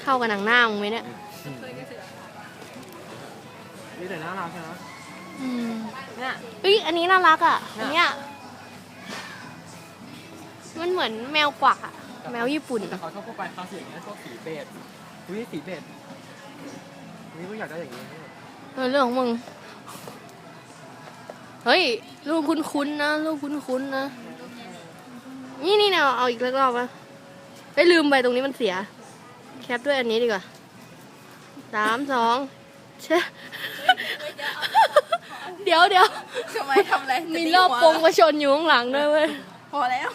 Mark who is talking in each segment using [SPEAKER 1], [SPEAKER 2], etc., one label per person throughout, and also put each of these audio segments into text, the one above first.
[SPEAKER 1] เข้ากับหนังหน้ามึงไหมเนี่ย
[SPEAKER 2] นี่แต่น่ารักนะเนี่ย
[SPEAKER 1] เฮ้ยอันนี้น่ารักอ่ะอันเนี้ยมันเหมือนแมวกวักอ่ะแมวญี่ปุ่น
[SPEAKER 2] แต่เขาชอบพวกปลายคาสีอย่างเงี้ยชอบสีเบจสีเบจนี่มึงอยากได้อย่างนี้
[SPEAKER 1] เรื่องของมึงเฮ้ยรูปคุ้นๆนะรูปคุ้นๆนะนี่เนี่ยเอาอีกรอบมาไปลืมไปตรงนี้มันเสียแคปด้วยอันนี้ดีกว่า3 2เช่เดี๋ยว
[SPEAKER 3] ทำไมทำอะไร
[SPEAKER 1] มีรอบปงมาชนอยู่ข้างหลังด้วยเว้ย
[SPEAKER 3] พอแล้ว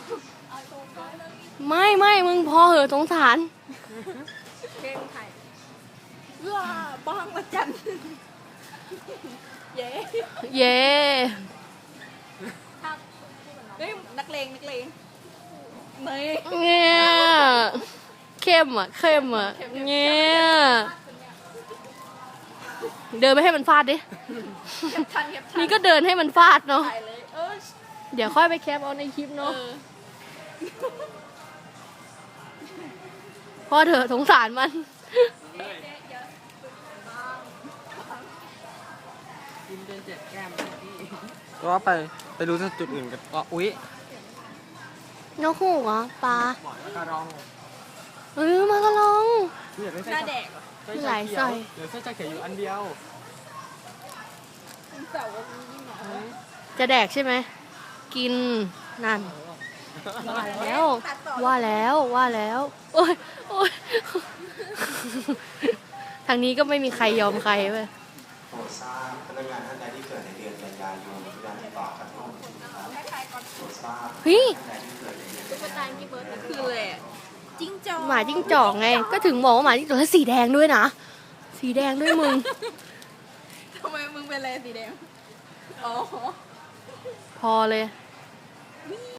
[SPEAKER 1] ไม่มึงพอเหอะสงสาร
[SPEAKER 3] เพลงไทยบ้างละจันเย้
[SPEAKER 1] เย่
[SPEAKER 3] เฮ้ยนักเลงเนย
[SPEAKER 1] เนี่ยเข้มอ่ะเนี่ยเดินไปให้มันฟาดดินี่ก็เดินให้มันฟาดเนาะเดี๋ยวค่อยไปแคปเอาในคลิปเนาะพอเถอะสงสารมัน
[SPEAKER 2] ก็ไปดูจุดอื่นกันก็อุ๊ย
[SPEAKER 1] นกฮูกเหรอปลา
[SPEAKER 2] หมอนกระรอง
[SPEAKER 1] มากระลอง
[SPEAKER 3] หน้าแดก
[SPEAKER 1] หลายสร้อย
[SPEAKER 2] เหลือเส้นจะเขียวอยู่อันเดียว
[SPEAKER 1] จะแดกใช่ไหมกินนั่นว่าแล้วโอ๊ยทางนี้ก็ไม่มีใครยอมใครเว้ย
[SPEAKER 4] โปรดทราบพนักงานท่านใดที่เกิดในเดือนกันยายนทุกท่านติดต่อกันทุกคนนะครับโปรดทราบ
[SPEAKER 1] เฮ้ย
[SPEAKER 3] คือเลยจิ้งจอก
[SPEAKER 1] หมาจิ้งจอกไงก็ถึงบอกว่าหมาจิ้งจอกแล้วสีแดงด้วยนะสีแดงด้วยมึง
[SPEAKER 3] ทำไมมึงเป็นอะไรสีแดงอ๋อ
[SPEAKER 1] พอเลย